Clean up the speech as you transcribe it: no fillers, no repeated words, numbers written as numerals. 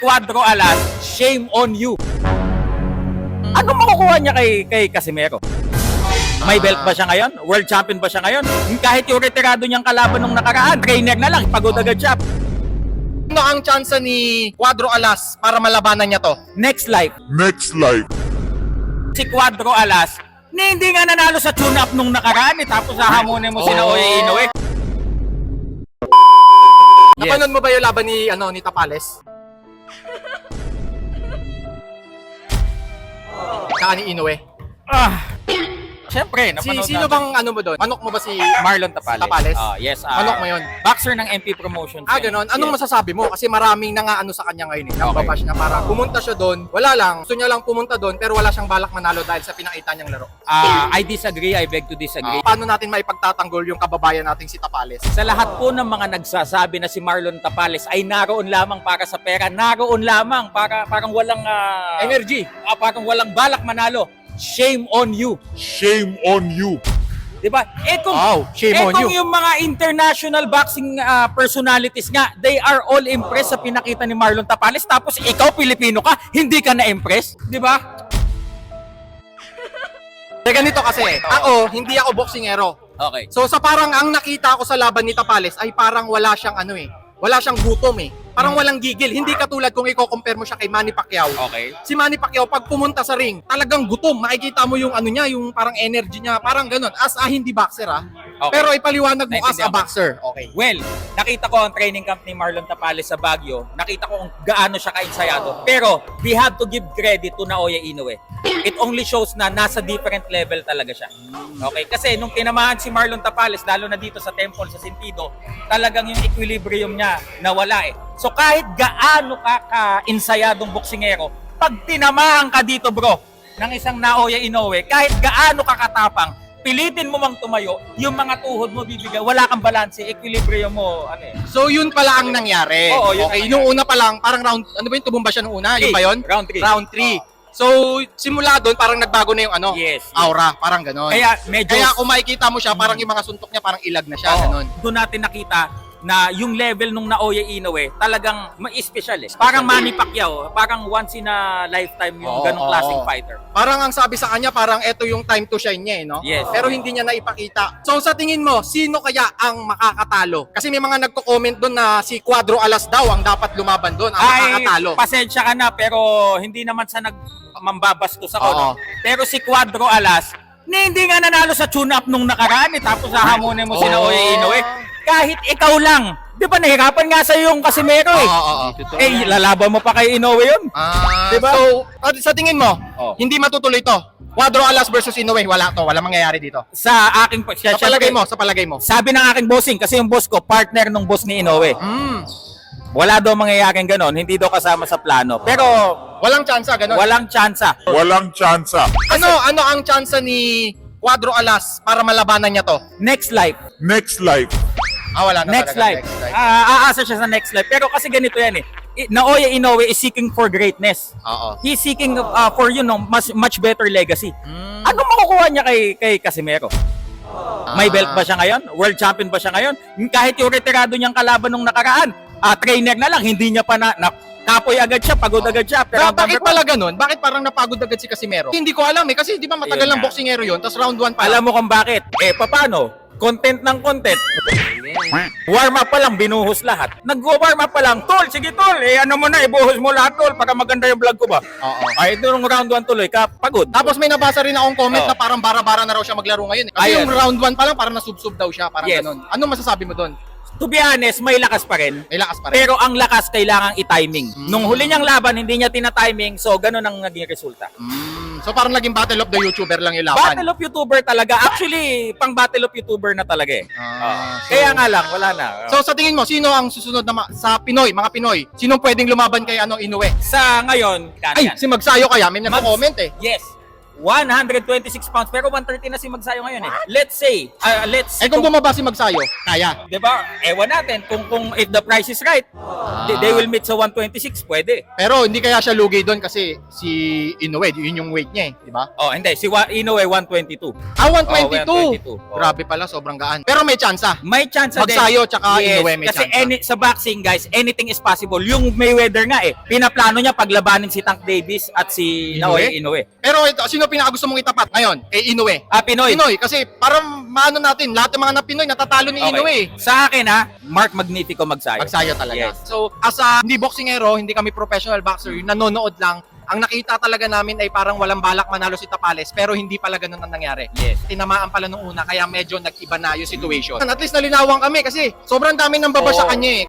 Cuadro Alas, shame on you. Ano makukuha niya kay Casimero? May belt ba siya ngayon? World champion ba siya ngayon? Kahit yung retirado niyang kalaban nung nakaraan, trainer na lang, pagod agad siya. Ano ang tsansa ni Cuadro Alas para malabanan niya to? Next life, Next life. si Cuadro Alas, hindi nga nanalo sa tune-up nung nakaraan, tapos hahamunin mo si Naoya Inoue. Napanood mo ba yung laban ni Tapales? Saka ni Inoue. Siyempre, napanood Sino natin. bang mo doon? Manok mo ba si Marlon Tapales. Tapales? Yes. Manok mo yun? Boxer ng MP Promotions. Ganon. Anong masasabi mo? Kasi maraming nangaano sa kanya ngayon Okay. Nababash na parang pumunta siya doon. Wala lang. Gusto niya lang pumunta doon pero wala siyang balak manalo dahil sa pinakita niyang laro. I disagree. I beg to disagree. Paano natin maipagtatanggol yung kababayan nating si Tapales? Sa lahat po ng mga nagsasabi na si Marlon Tapales ay naroon lamang para sa pera, naroon lamang para parang walang Energy. parang walang balak manalo. Shame on you. Shame on you. 'Di ba? Shame on you. Yung mga international boxing personalities nga, they are all impressed sa pinakita ni Marlon Tapales, tapos ikaw Pilipino ka, hindi ka na-impress, 'di ba? Ganito kasi, ako, hindi ako boksingero. Okay. So sa parang ang nakita ko sa laban ni Tapales ay parang wala siyang wala siyang gutom Parang walang gigil. Hindi katulad kung i-compare mo siya kay Manny Pacquiao. Okay. Si Manny Pacquiao pag pumunta sa ring, talagang gutom. Makikita mo yung niya, yung parang energy niya, parang ganun. As hindi boxer Okay. Pero ipaliwanag mo as a Naintindihan ko. boxer. Okay. Well, nakita ko ang training camp ni Marlon Tapales sa Baguio. Nakita ko kung gaano siya ka-ensayado. Pero we have to give credit to Naoya Inoue. It only shows na nasa different level talaga siya. Okay? Kasi nung tinamaan si Marlon Tapales, lalo na dito sa temple, sa Sentido, talagang yung equilibrium niya nawala So kahit gaano ka ensayadong boksingero, pag tinamaan ka dito bro, ng isang Naoya Inoue, kahit gaano ka katapang, pilitin mo mang tumayo, yung mga tuhod mo bibigyan, wala kang balanse, equilibrium mo, So yun pala ang nangyari. Oo, yun okay, ang nung una pa lang, parang round, tumumba siya nung una? Yun ba yun? Round 3. Round 3. So, simula doon, parang nagbago na yung Yes. aura, parang ganon. Kaya medyo... Kaya kung makikita mo siya, parang yung mga suntok niya, parang ilag na siya, ganon. Doon natin nakita na yung level nung Naoya Inoue talagang ma-special Parang Manny Pacquiao, parang once in a lifetime yung ganong klaseng fighter. Parang ang sabi sa kanya, parang eto yung time to shine niya no? Yes. Pero hindi niya naipakita. So sa tingin mo, sino kaya ang makakatalo? Kasi may mga nagko-comment doon na si Cuadro Alas daw ang dapat lumaban doon, ang makakatalo. Pasensya ka na pero hindi naman sa mambabastos ako. Oo. Pero si Cuadro Alas, hindi nga nanalo sa tune-up nung nakaraan tapos hahamunin mo si Naoya Inoue. Kahit ikaw lang, di ba nahirapan nga sa yung Casimero Oo. lalaban mo pa kay Inoue yun. Diba? So, sa tingin mo, Oo. hindi matutuloy to? Cuadro Alas versus Inoue, wala mangyayari dito. Sa aking Sa palagay mo. sabi ng aking bossing, kasi yung boss ko, partner nung boss ni Inoue. Wala daw mangyayaring ganon, hindi daw kasama sa plano. Pero Walang tsansa, ganun. walang tsansa. Walang tsansa. Ano ang tsansa ni Cuadro Alas para malabanan niya to? Next life. Next life. Wala na Next talaga. life. Aasa siya sa next life. Pero kasi ganito yan Naoya Inoue is seeking for greatness. Oo. He's seeking for much better legacy. Ano makukuha niya kay Casimero? May belt ba siya ngayon? World champion ba siya ngayon? Kahit yung retirado niyang kalaban nung nakaraan, trainer na lang, hindi niya pa kapoy agad siya, pagod agad siya. Pero Bakit pala ganun? Bakit parang napagod agad si Casimero? Hindi ko alam kasi di ba matagal Ayun ng nga. boksingero yun, tapos round 1 pa alam mo kung bakit? Paano? Content ng content. Warm up pa lang, binuhos lahat. Nag-warm up pa lang, tol, sige tol, ano mo na, ibuhos mo lahat tol, para maganda yung vlog ko ba? Oo. Ay, nung round 1 tuloy ka, pagod. Tapos may nabasa rin akong comment Oo. na parang bara-bara na raw siya maglaro ngayon. Kasi Ayun. yung round 1 pa lang parang nasubsob daw siya, parang Yes. ganun. Ano masasabi mo doon? To be honest, may lakas pa rin. May lakas pa rin. Pero ang lakas kailangang i-timing. Nung huli niyang laban, hindi niya tina-timing, so ganun ang naging resulta. So parang naging battle of the YouTuber lang yung laban. Battle of YouTuber talaga. Actually, pang Battle of YouTuber na talaga Kaya nga lang, wala na. So sa tingin mo, sino ang susunod na sa Pinoy, mga Pinoy? Sinong pwedeng lumaban kay Inoue? Sa ngayon, Ay, si Magsayo kaya, may nagko-comment Yes. 126 pounds. Pero 130 na si Magsayo ngayon eh. Let's say, Kung bumaba si Magsayo, kaya. diba? Ewan natin kung if the price is right, they will meet sa 126, pwede. Pero hindi kaya siya lugi doon kasi si Inoue, yun yung weight niya eh, di ba? Oh, hindi. Si Inoue 122. 122. 122. Oh. Grabe pala, sobrang gaan. Pero may tsansa. May chance din. Magsayo tsaka Inoue may kasi chance. sa boxing guys, anything is possible. Yung Mayweather nga eh, pinaplano niya paglabanin si Tank Davis at si Naoya Inoue. Pero ito, sino pinakagusto mong itapat ngayon? Inoue. Pinoy. Pinoy, kasi parang maano natin, lahat ng mga na Pinoy natatalo ni Inoue. Sa akin Mark Magnifico Magsayo. Magsayo talaga. Yes. So, as a hindi boxingero, hindi kami professional boxer, yung nanonood lang, ang nakita talaga namin ay parang walang balak manalo si Tapales, pero hindi pala ganun ang nangyari. Yes. Tinamaan pala nung una, kaya medyo nag-iba na yung situation. At least nalinawan kami kasi sobrang dami nang baba sa Oo. kanya eh.